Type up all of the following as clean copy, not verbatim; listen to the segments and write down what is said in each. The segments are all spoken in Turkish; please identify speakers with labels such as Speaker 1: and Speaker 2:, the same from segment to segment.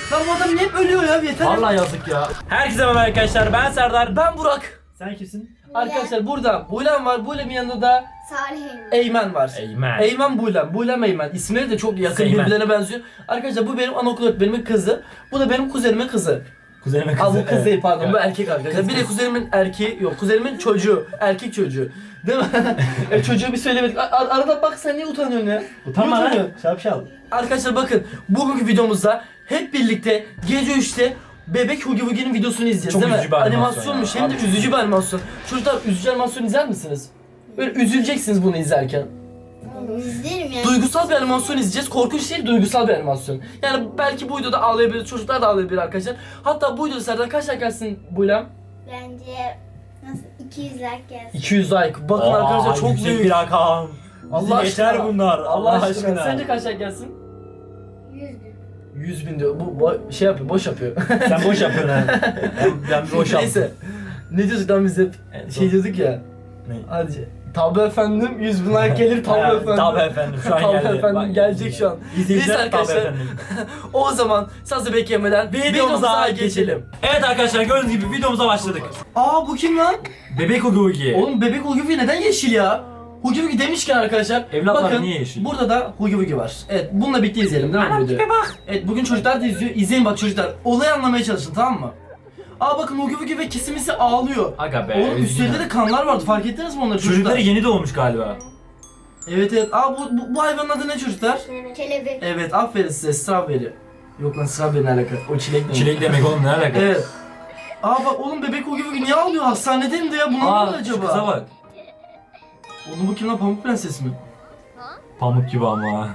Speaker 1: Lan bu adam niye hep ölüyor ya, yeter.
Speaker 2: Vallahi yazık ya. Herkese merhaba arkadaşlar, ben Serdar.
Speaker 1: Ben Burak.
Speaker 2: Sen kimsin?
Speaker 1: Arkadaşlar burada Buylem var. Bulem'in yanında da
Speaker 3: Salih
Speaker 1: Eymen var.
Speaker 2: Eymen.
Speaker 1: Eymen Buylem. Buylem Eymen. İsimleri de çok yakın,
Speaker 2: Eymen.
Speaker 1: birbirlerine benziyor. Arkadaşlar bu benim anaokul öğretmenimin kızı. Bu da benim kuzenimin kızı.
Speaker 2: Kuzenime kızı.
Speaker 1: Aa bu kız değil, pardon,
Speaker 2: Evet.
Speaker 1: bu erkek arkadaşlar.
Speaker 2: Kız,
Speaker 1: Bir de
Speaker 2: kız.
Speaker 1: kuzenimin erkeği yok. Kuzenimin çocuğu. Erkek çocuğu. Değil mi? Çocuğu bir söylemedik. Arada bak, sen niye utanıyorsun ya?
Speaker 2: Utanma
Speaker 1: Niye
Speaker 2: lan.
Speaker 1: utanıyorsun?
Speaker 2: Şapşal.
Speaker 1: Arkadaşlar bakın, bugünkü videomuzda hep birlikte gece 3'te Bebek Hugi Wugi'nin videosunu izleyeceğiz,
Speaker 2: Çok
Speaker 1: değil mi?
Speaker 2: üzücü bir animasyon
Speaker 1: Animasyonmuş,
Speaker 2: ya.
Speaker 1: hem de
Speaker 2: Abi.
Speaker 1: üzücü bir animasyon. Çocuklar, üzücü animasyon izler misiniz? Böyle üzüleceksiniz bunu izlerken.
Speaker 3: İzlerim ya.
Speaker 1: Duygusal bir animasyon izleyeceğiz. Korkunç değil, duygusal bir animasyon. Yani belki bu videoda ağlayabilir, çocuklar da ağlayabilir arkadaşlar. Hatta bu videoda Serdar kaç like gelsin Buylem?
Speaker 3: Bence nasıl 200 like gelsin.
Speaker 1: 200 like. Bakın arkadaşlar, çok
Speaker 2: yüksek
Speaker 1: büyük.
Speaker 2: bir rakam.
Speaker 1: Allah
Speaker 2: Geçer
Speaker 1: aşkına.
Speaker 2: bunlar.
Speaker 1: Allah aşkına. Sence kaç like gelsin?
Speaker 3: 100 bin.
Speaker 1: 100 bin diyor. Bu şey yapıyor, boş yapıyor.
Speaker 2: Sen boş yapıyorsun ha. Ben boş yaptım.
Speaker 1: Neyse. Ne diyorduk lan biz hep? Şey diyorduk ya.
Speaker 2: Ne?
Speaker 1: Hadi. Tabii efendim, 100 bin like gelir tabii
Speaker 2: Ha,
Speaker 1: efendim.
Speaker 2: Tabii efendim, şu an
Speaker 1: Tabii
Speaker 2: geldi.
Speaker 1: efendim,
Speaker 2: Bak,
Speaker 1: gelecek şu an.
Speaker 2: İzleyiciler
Speaker 1: Neyse
Speaker 2: tabii
Speaker 1: arkadaşlar.
Speaker 2: efendim.
Speaker 1: O zaman sazı beklemeden videomuza geçelim.
Speaker 2: Evet arkadaşlar, gördüğünüz gibi videomuza başladık.
Speaker 1: Aa, bu kim lan?
Speaker 2: Bebek Hugi Wugi.
Speaker 1: Oğlum bebek Hugi Wugi neden yeşil ya? Hugi Wugi demişken arkadaşlar,
Speaker 2: Evlatlar
Speaker 1: bakın
Speaker 2: niye yeşil?
Speaker 1: burada da Hugi Wugi var. Evet, bununla birlikte izleyelim değil mi bu videoyu? Evet, bugün çocuklar da izliyor. İzleyin bak çocuklar. Olayı anlamaya çalışın, tamam mı? Aa bakın, Hugi Wugi ve Kisimisi ağlıyor.
Speaker 2: Aga be.
Speaker 1: Oğlum üstlerinde de kanlar vardı, fark ettiniz mi onları çocuklar?
Speaker 2: Çocukları yeni doğmuş galiba.
Speaker 1: Evet evet. Aa bu hayvanın adı ne çocuklar?
Speaker 3: Kelebek.
Speaker 1: Evet, aferin size, strawberry. Yok lan, strawberry ne alaka? O çilek demek.
Speaker 2: Çilek demek oğlum, ne alaka?
Speaker 1: Evet. Aa bak oğlum, bebek Hugi Wugi niye ağlıyor? Hastanede mi de ya? Bu ne oldu
Speaker 2: Aa, şu
Speaker 1: acaba?
Speaker 2: kıza bak.
Speaker 1: Oğlum bu kim lan, Pamuk Prenses mi?
Speaker 2: Pamuk gibi ama.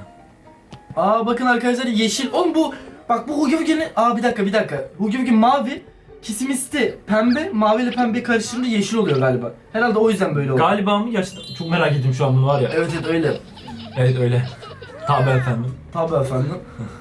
Speaker 1: Aa bakın arkadaşlar, yeşil. Oğlum bu, bak bu Hugi Wugi'nin... Aa bir dakika. Hugi Wugi mavi, Kisimisti pembe, mavi ile pembe karıştırınca yeşil oluyor galiba. Herhalde o yüzden böyle oldu.
Speaker 2: Galiba mı? Gerçekten çok merak ettim şu an bunu, var ya.
Speaker 1: Evet evet, öyle.
Speaker 2: Evet öyle. Tabii efendim.
Speaker 1: Tabii efendim.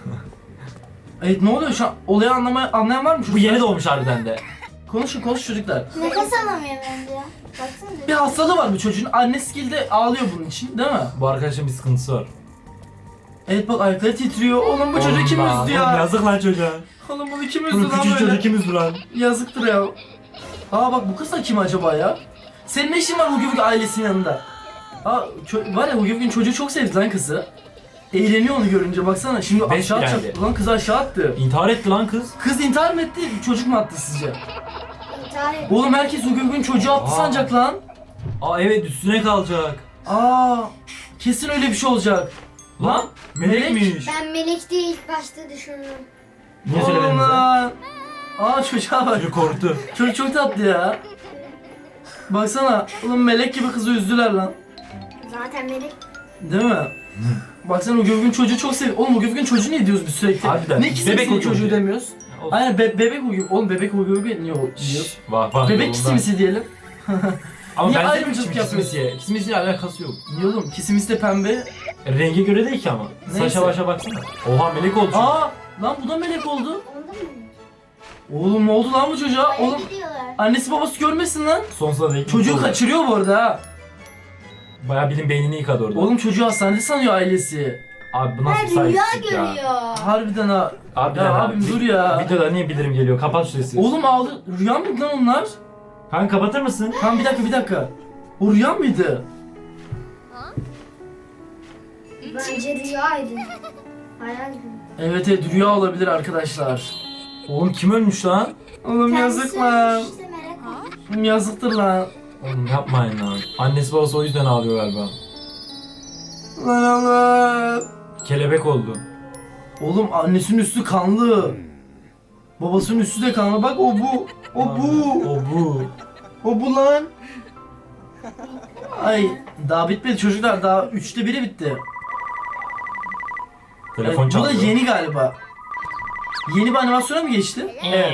Speaker 1: Evet, ne oluyor şu an? Olayı anlayan var mı?
Speaker 2: Bu yeni doğmuş harbiden de.
Speaker 1: Konuşun çocuklar.
Speaker 3: Nefes alamıyor bence ya. Baksana.
Speaker 1: Bir hastalığı var bu çocuğun. Annesi de ağlıyor bunun için, değil mi?
Speaker 2: Bu arkadaşın bir sıkıntısı var.
Speaker 1: Evet bak, ayakları titriyor. Oğlum bu çocuğu kim
Speaker 2: Oğlum
Speaker 1: üzdü
Speaker 2: oğlum
Speaker 1: ya?
Speaker 2: yazık lan çocuğa.
Speaker 1: Oğlum bunu kim üzdü
Speaker 2: Bunu
Speaker 1: lan
Speaker 2: küçük
Speaker 1: böyle?
Speaker 2: çocuk kim üzdü lan?
Speaker 1: Yazıktır ya. Aa bak, bu kız da kim acaba ya? Senin ne işin var Hugi Wugi ailesinin yanında? Aa var ya, Hugi Wugi'nin çocuğu çok sevdi lan kızı. Eğleniyor onu görünce, baksana. Şimdi
Speaker 2: Beş
Speaker 1: aşağı
Speaker 2: geldi.
Speaker 1: atacak. Lan kızı aşağı attı.
Speaker 2: İntihar etti lan kız.
Speaker 1: Kız intihar mı etti? Çocuk mu attı sizce?
Speaker 3: İntihar et.
Speaker 1: Oğlum herkes Hugi Wugi'nin çocuğu attı
Speaker 2: Aa.
Speaker 1: sanacak lan.
Speaker 2: Aa evet, üstüne kalacak.
Speaker 1: Aa kesin öyle bir şey olacak.
Speaker 2: Lan melekmiş.
Speaker 3: Ben melek diye ilk başta düşündüm.
Speaker 2: Niye
Speaker 1: Oğlum
Speaker 2: söylemedin sen?
Speaker 1: lan. Aa çocuğa bak.
Speaker 2: Çocuk korktu.
Speaker 1: Çocuk çok tatlı ya. Baksana. Oğlum melek gibi kızı üzdüler lan.
Speaker 3: Zaten melek.
Speaker 1: Değil mi? Baksana, Hugi Wugi'nin çocuğu çok seviyor. Oğlum Hugi Wugi'nin çocuğu ne diyoruz biz sürekli?
Speaker 2: Harbiden.
Speaker 1: Ne
Speaker 2: Bebek
Speaker 1: kisimisi
Speaker 2: Hugi
Speaker 1: çocuğu
Speaker 2: Wugi.
Speaker 1: demiyoruz.
Speaker 2: Olsun.
Speaker 1: Aynen bebek Hugi. Oğlum bebek Hugi Wugi niye diyoruz?
Speaker 2: Bak bak.
Speaker 1: Bebek
Speaker 2: yolunda.
Speaker 1: kisimisi diyelim.
Speaker 2: Ama
Speaker 1: Niye
Speaker 2: ben
Speaker 1: ayrımcılık
Speaker 2: ayrımcılık
Speaker 1: yapıyorsun?
Speaker 2: Kismisiye. Kismisiyle alakası yok.
Speaker 1: Niye oğlum? Kisimisi de pembe.
Speaker 2: Renge göre değil ki ama.
Speaker 1: Neyse.
Speaker 2: Saça başa baksana. Oha, melek oldu.
Speaker 1: Aa lan bu da melek oldu.
Speaker 3: Onda mı?
Speaker 1: Oğlum ne oldu lan bu çocuğa?
Speaker 3: Baya
Speaker 1: Oğlum
Speaker 3: gidiyorlar.
Speaker 1: annesi babası görmesin lan.
Speaker 2: Sonsuza dek.
Speaker 1: Çocuğu
Speaker 2: oldu.
Speaker 1: kaçırıyor bu arada ha.
Speaker 2: Bayağı bilin beynini yıkadı orada.
Speaker 1: Oğlum çocuğu hastanede sanıyor ailesi.
Speaker 2: Abi bu nasıl
Speaker 3: Ben rüya
Speaker 2: saygısızlık ya.
Speaker 3: görüyor.
Speaker 1: Harbiden ha.
Speaker 2: Harbiden
Speaker 1: Ya
Speaker 2: abi.
Speaker 1: abim dur ya.
Speaker 2: Videoda niye bildirim geliyor? Kapat şu sesi.
Speaker 1: Oğlum ağlı. Rüya mıydı lan onlar?
Speaker 2: Kanka kapatır mısın?
Speaker 1: Tamam bir dakika. O rüya mıydı?
Speaker 3: Bence rüyaydı. Hayal gibi.
Speaker 1: Evet rüya olabilir arkadaşlar.
Speaker 2: Oğlum kim ölmüş lan?
Speaker 1: Oğlum yazık lan.
Speaker 3: İşte merak olmuş.
Speaker 1: Oğlum yazıktır lan.
Speaker 2: Oğlum yapmayın lan. Annesi babası o yüzden ağlıyor galiba.
Speaker 1: Lan Allah.
Speaker 2: Kelebek oldu.
Speaker 1: Oğlum annesinin üstü kanlı. Babasının üstü de kanlı. Bak o bu. O bu.
Speaker 2: O bu.
Speaker 1: O bu lan. Ay daha bitmedi çocuklar. Daha 3'te 1'i bitti.
Speaker 2: Telefon
Speaker 1: Bu da
Speaker 2: çalıyor.
Speaker 1: yeni galiba. Yeni bir animasyona mı geçti? Evet.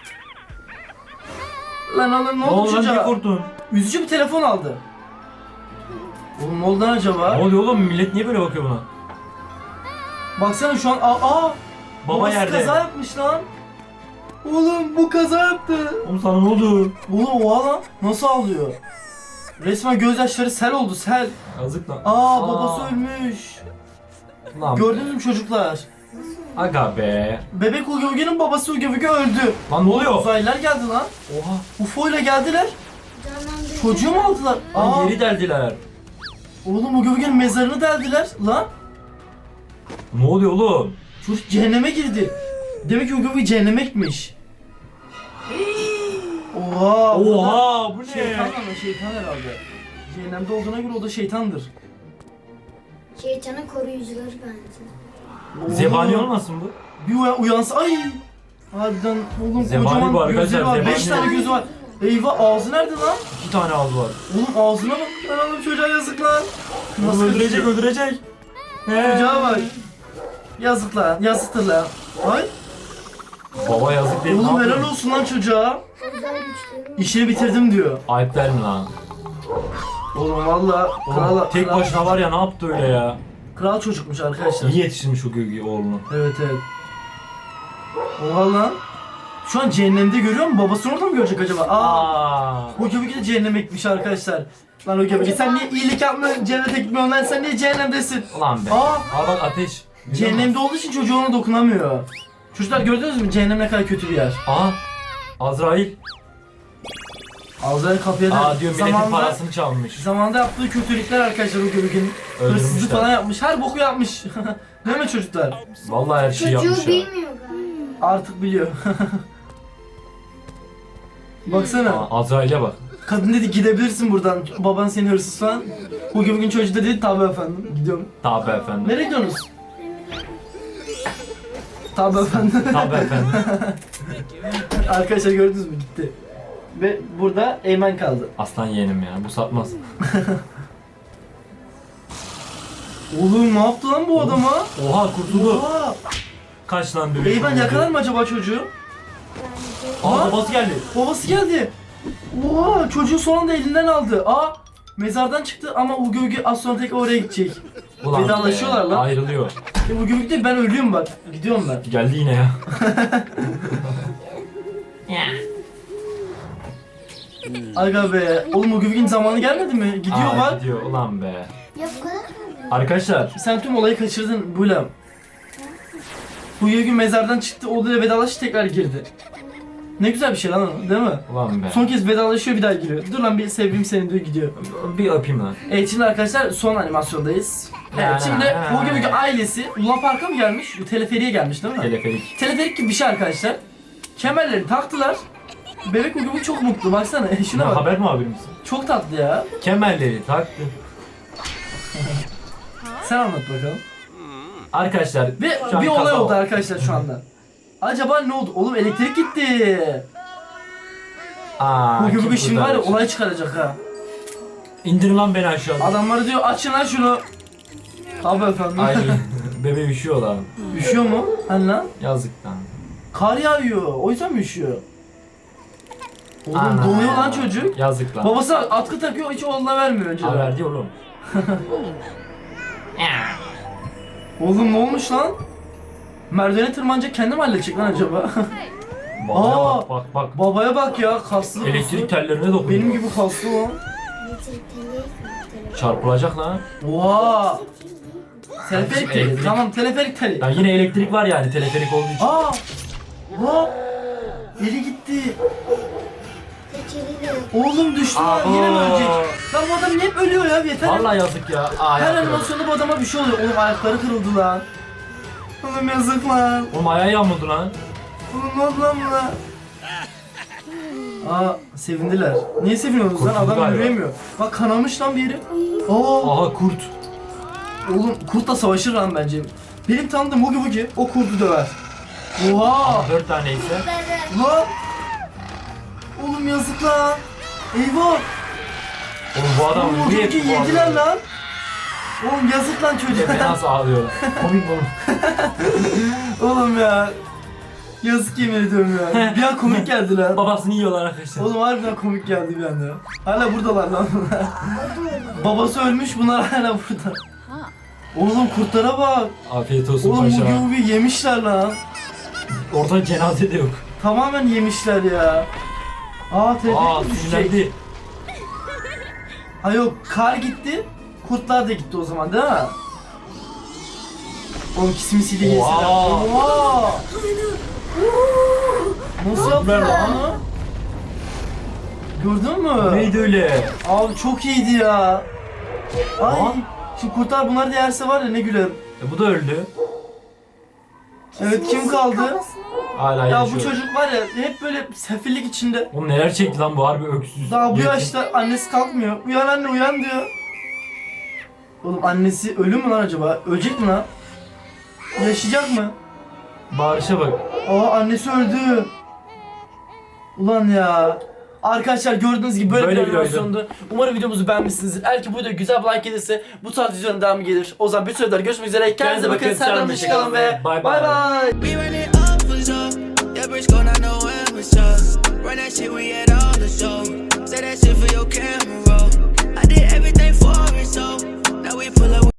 Speaker 1: Lan oğlum ne
Speaker 2: Ne
Speaker 1: oldu
Speaker 2: oldu lan, niye
Speaker 1: çocuğa?
Speaker 2: korktun?
Speaker 1: Üzücü bir telefon aldı. Oğlum ne oldu lan acaba?
Speaker 2: Ne oluyor oğlum, millet niye böyle bakıyor buna?
Speaker 1: Baksana şu an
Speaker 2: Baba
Speaker 1: babası
Speaker 2: yerde.
Speaker 1: kaza yapmış lan. Oğlum bu kaza yaptı.
Speaker 2: Oğlum sana ne oldu?
Speaker 1: Oğlum oha lan nasıl ağlıyor? Resmen gözyaşları sel oldu, sel.
Speaker 2: Yazık lan.
Speaker 1: Babası ölmüş.
Speaker 2: Lan.
Speaker 1: Gördünüz mü çocuklar?
Speaker 3: Nasıl
Speaker 2: Aga be.
Speaker 1: Bebek Ugi Ugi'nin babası Ugi Ugi öldü.
Speaker 2: Lan ne oluyor?
Speaker 1: Uzaylılar geldi lan.
Speaker 2: Oha.
Speaker 1: UFO ile geldiler.
Speaker 3: Canlandırıcı.
Speaker 1: Çocuğu mu aldılar?
Speaker 2: Lan yeri deldiler.
Speaker 1: Oğlum Ugi Ugi'nin mezarını deldiler lan.
Speaker 2: Ne oluyor oğlum?
Speaker 1: Çocuk cehenneme girdi. Demek ki Ugi Ugi cehenneme gitmiş. Oha.
Speaker 2: Oha bu ne?
Speaker 1: Şeytan ama şeytan herhalde. Cehennemde olduğuna göre o da şeytandır.
Speaker 3: Şeytanın koruyucuları bence.
Speaker 1: Oğlum,
Speaker 2: Zebani olmasın bu?
Speaker 1: Bir uyansa ay. Harbiden oğlum
Speaker 2: Zebani bu
Speaker 1: kocaman
Speaker 2: arkadaşlar,
Speaker 1: gözleri var. 5
Speaker 2: zebani.
Speaker 1: tane gözü var. Eyvah ağzı nerede lan?
Speaker 2: 2 tane ağzı var.
Speaker 1: Oğlum ağzına bak. Lan oğlum çocuğa yazık lan.
Speaker 2: Oğlum öldürecek öldürecek.
Speaker 1: Çocuğa bak. Yazık lan. Yazıktır lan. Ay.
Speaker 2: Baba yazık değil.
Speaker 1: Oğlum
Speaker 2: ne
Speaker 1: helal
Speaker 2: yapıyor?
Speaker 1: olsun lan çocuğa.
Speaker 3: Özel güçleri var.
Speaker 1: İşini bitirdim diyor.
Speaker 2: Ayıp der mi lan?
Speaker 1: Oğlum valla
Speaker 2: Oğlum, tek başına var ya ne yaptı öyle ya?
Speaker 1: Kral çocukmuş arkadaşlar.
Speaker 2: İyi yetiştirmiş o gölge oğlunu.
Speaker 1: Evet evet. Oha lan. Şu an cehennemde görüyor mu? Babasını orada mı görecek acaba? Aa. O köpek de cehenneme gitmiş arkadaşlar. Lan o köpek sen niye iyilik yapmıyorsun, cennete gitmiyorsun lan, sen niye cehennemdesin?
Speaker 2: Ulan be.
Speaker 1: Aa.
Speaker 2: Aa bak ateş. Görüyor
Speaker 1: Cehennemde
Speaker 2: musun?
Speaker 1: olduğu için çocuğu ona dokunamıyor. Çocuklar gördünüz mü cehennem ne kadar kötü bir yer.
Speaker 2: Aa. Azrail.
Speaker 1: Ağzları kapıya da
Speaker 2: Aa diyor milletin parasını çalmış.
Speaker 1: zamanında yaptığı kötülükler arkadaşlar o köpeğin. Hırsızlık
Speaker 2: Öldürmüşler.
Speaker 1: falan yapmış, her boku yapmış. Değil mi çocuklar?
Speaker 2: Vallahi her şeyi yapmış
Speaker 3: Çocuğu
Speaker 2: ya.
Speaker 3: bilmiyor galiba.
Speaker 1: Artık biliyor. Baksana.
Speaker 2: Aa, Azrail'e bak.
Speaker 1: Kadın dedi gidebilirsin buradan. Baban seni hırsız falan. Bugün çocuğu da dedi tabi efendim. Gidiyorum.
Speaker 2: Tabi efendim.
Speaker 1: Nereye gidiyorsunuz? Tabi efendim.
Speaker 2: Tabi efendim.
Speaker 1: Arkadaşlar gördünüz mü gitti. Ve burada Eymen kaldı.
Speaker 2: Aslan yeğenim ya bu satmaz.
Speaker 1: Oğlum ne yaptı lan bu adama?
Speaker 2: Oha kurtuldu.
Speaker 1: Oha.
Speaker 2: Kaç lan dövüş.
Speaker 1: Eymen yakalar mı acaba çocuğu?
Speaker 3: Bence.
Speaker 2: Aa babası geldi.
Speaker 1: Babası geldi. Oha çocuğu son anda elinden aldı. Aa mezardan çıktı ama Ugi Ugi az sonra tekrar oraya gidecek.
Speaker 2: Ulan
Speaker 1: Vedalaşıyorlar
Speaker 2: be,
Speaker 1: lan.
Speaker 2: Ayrılıyor.
Speaker 1: Ugi Ugi de ben ölüyorum bak. Gidiyorum ben.
Speaker 2: Geldi yine ya.
Speaker 1: Aga be. Oğlum Ugi Ugi'nin zamanı gelmedi mi? Gidiyor
Speaker 2: Aa,
Speaker 1: bak.
Speaker 2: Gidiyor ulan be.
Speaker 3: Ya bu kadar mı?
Speaker 2: Arkadaşlar
Speaker 1: Sen tüm olayı kaçırdın Bulem. Ugi Ugi mezardan çıktı. Odaya vedalaştı tekrar girdi. Ne güzel bir şey lan o, değil mi?
Speaker 2: ulan be.
Speaker 1: Son kez vedalaşıyor bir daha giriyor. Dur lan bir seveyim seni diyor gidiyor.
Speaker 2: Bir öpeyim lan.
Speaker 1: Evet şimdi arkadaşlar son animasyondayız. Evet şimdi Ugi Ugi ailesi Luna Park'a mı gelmiş? Teleferiye gelmiş değil mi?
Speaker 2: Teleferik.
Speaker 1: Teleferik gibi bir şey arkadaşlar. Kemerleri taktılar. Bebek Ugi Ugi çok mutlu baksana. Şuna
Speaker 2: Ne
Speaker 1: bak.
Speaker 2: haber muhabiri misin?
Speaker 1: Çok tatlı ya.
Speaker 2: Kemerleri taktı.
Speaker 1: Sen anlat bakalım.
Speaker 2: Arkadaşlar
Speaker 1: Ve
Speaker 2: şu an
Speaker 1: bir olay
Speaker 2: kaza
Speaker 1: oldu arkadaşlar şu anda. Acaba ne oldu? Oğlum elektrik gitti.
Speaker 2: Aa,
Speaker 1: Ugi
Speaker 2: kim
Speaker 1: Ugi şimdi var ya
Speaker 2: kurtarır?
Speaker 1: olay çıkaracak ha.
Speaker 2: İndirin lan beni aşağıda.
Speaker 1: Adamları diyor açın lan şunu. Abi efendim.
Speaker 2: Ay bebe üşüyor lan.
Speaker 1: Üşüyor mu? Hani lan?
Speaker 2: Yazık lan.
Speaker 1: Kar yağıyor. O yüzden mi üşüyor? Oğlum
Speaker 2: Ana.
Speaker 1: donuyor lan çocuk.
Speaker 2: Yazık lan.
Speaker 1: Babası atkı takıyor hiç oğluna vermiyor önceden.
Speaker 2: Haber diyor oğlum.
Speaker 1: Oğlum ne olmuş lan? Merdivene tırmanacak kendim halledecek lan acaba?
Speaker 2: Babaya
Speaker 1: Aa.
Speaker 2: bak bak bak.
Speaker 1: Babaya bak ya kaslı.
Speaker 2: Elektrik
Speaker 1: kaslı.
Speaker 2: tellerine dokunuyor.
Speaker 1: Benim gibi kaslı lan.
Speaker 3: Elektrik teli.
Speaker 2: Çarpılacak lan.
Speaker 1: Oha. Teleferik teli.
Speaker 2: Elektrik.
Speaker 1: Tamam teleferik teli.
Speaker 2: Ya yine elektrik var yani teleferik olduğu için.
Speaker 1: Aa. Oha. Eli gitti.
Speaker 3: Tekeliyle.
Speaker 1: Oğlum düştü lan yine mi ölecek? Lan bu adam niye hep ölüyor ya yeter.
Speaker 2: Vallahi yazık ya. Aa,
Speaker 1: Her
Speaker 2: ayakları.
Speaker 1: animasyonda bu adama bir şey oluyor. Oğlum ayakları kırıldı lan. Oğlum yazık lan.
Speaker 2: Oğlum ayağı yağmurdu lan.
Speaker 1: Oğlum ne oldu lan buna? Aa sevindiler. Niye seviniyorsunuz lan?
Speaker 2: Kurtuldu
Speaker 1: Adam
Speaker 2: galiba.
Speaker 1: yürüyemiyor. Bak kanamış lan bir yeri. Aa.
Speaker 2: Aha kurt.
Speaker 1: Oğlum kurtla savaşır lan bence. Benim tanıdığım Ugi Bugi o kurdu döver. Oha!
Speaker 2: Ama 4 tane ise.
Speaker 1: Lan! Oğlum yazık lan. Eyvah!
Speaker 2: Oğlum bu adam
Speaker 1: Oğlum Ugi
Speaker 2: niye
Speaker 1: Bugi yediler lan. Oğlum yazık lan çocuğa.
Speaker 2: Nasıl ağlıyor? Komik oğlum.
Speaker 1: Oğlum ya. Yazık yemin ediyorum ya. Bir an komik geldi lan.
Speaker 2: Babasını yiyorlar arkadaşlar.
Speaker 1: Oğlum harbiden komik geldi bir anda. Hala buradalar lan bunlar. Babası ölmüş bunlar hala burada. Oğlum kurtlara bak.
Speaker 2: Afiyet olsun
Speaker 1: Oğlum
Speaker 2: paşa.
Speaker 1: Ugi Bugi yemişler lan.
Speaker 2: Ortada cenaze de yok.
Speaker 1: Tamamen yemişler ya. Aa tepki
Speaker 2: Aa
Speaker 1: düşecek.
Speaker 2: sinirlendi.
Speaker 1: Ha yok kar gitti. Kurtlar da gitti o zaman değil mi? Oğlum simisiyle yesinler.
Speaker 2: Oha.
Speaker 1: Oha. Nasıl yaptılar lan? Gördün mü?
Speaker 2: Neydi öyle?
Speaker 1: Abi çok iyiydi ya. Ay.
Speaker 2: Aa.
Speaker 1: Şimdi kurtlar bunlar da yerse var ya ne gülerim.
Speaker 2: Bu da öldü.
Speaker 1: Evet kim kaldı?
Speaker 3: Kafasını
Speaker 2: Hala
Speaker 1: Ya
Speaker 2: yaşıyor.
Speaker 1: bu çocuk var ya hep böyle sefillik içinde.
Speaker 2: Oğlum neler çekti lan bu harbi öksüz.
Speaker 1: Daha bu
Speaker 2: Yetim.
Speaker 1: yaşta annesi kalkmıyor. Uyan anne uyan diyor. Oğlum annesi ölü mü lan acaba? Ölecek mi lan? Yaşayacak mı?
Speaker 2: Bağırışa bak.
Speaker 1: Aa annesi öldü. Ulan ya. Arkadaşlar gördüğünüz gibi böyle bir
Speaker 2: Böyle bir
Speaker 1: animasyondu. Umarım videomuzu beğenmişsinizdir. Eğer ki bu video güzel bir like gelirse bu tarz videoların devamı gelir. O zaman bir süre daha görüşmek üzere. Kendinize bakın. Senden hoşça kalın ve
Speaker 2: Bye
Speaker 1: bay
Speaker 2: bye.
Speaker 1: bay.
Speaker 4: We run it up for sure. Yeah, bitch, going out no amateur. Run that shit, we at all the show. Say that shit for your camera.